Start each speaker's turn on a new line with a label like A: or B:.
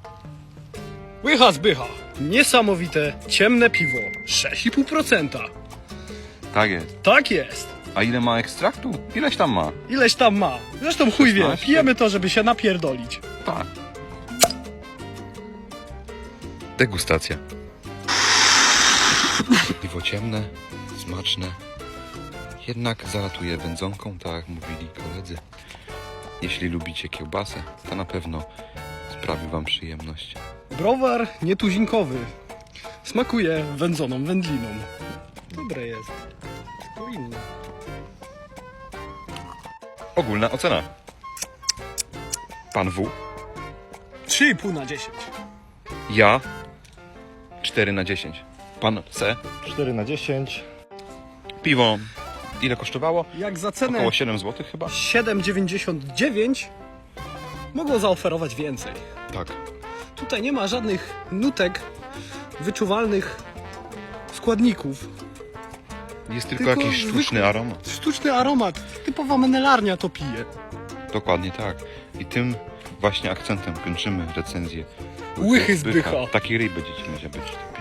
A: Łycha zbycha. Niesamowite, ciemne piwo. 6,5%.
B: Tak jest.
A: Tak jest.
B: A ile ma ekstraktu? Ileś tam ma?
A: Ileś tam ma. Zresztą chuj wie,
B: 16.
A: pijemy to, żeby się napierdolić.
B: Tak. Degustacja. Piwo ciemne, smaczne. Jednak zalatuje wędzonką, tak jak mówili koledzy. Jeśli lubicie kiełbasę, to na pewno sprawi wam przyjemność.
A: Browar nietuzinkowy. Smakuje wędzoną wędliną. Dobre jest. Tylko inne.
B: Ogólna ocena. Pan W.
A: 3,5 na 10.
B: Ja 4 na 10. Pan C.
C: 4 na 10.
B: Piwo ile kosztowało?
A: Jak za cenę
B: Około 7 zł chyba?
A: 7,99 mogło zaoferować więcej.
B: Tak.
A: Tutaj nie ma żadnych nutek, wyczuwalnych składników.
B: Jest tylko jakiś sztuczny
A: zwykły,
B: aromat.
A: Sztuczny aromat. Typowa menelarnia to pije.
B: Dokładnie tak. I tym właśnie akcentem kończymy recenzję
A: Łychy zbycha.
B: Takiej ryby dzieci będzie być.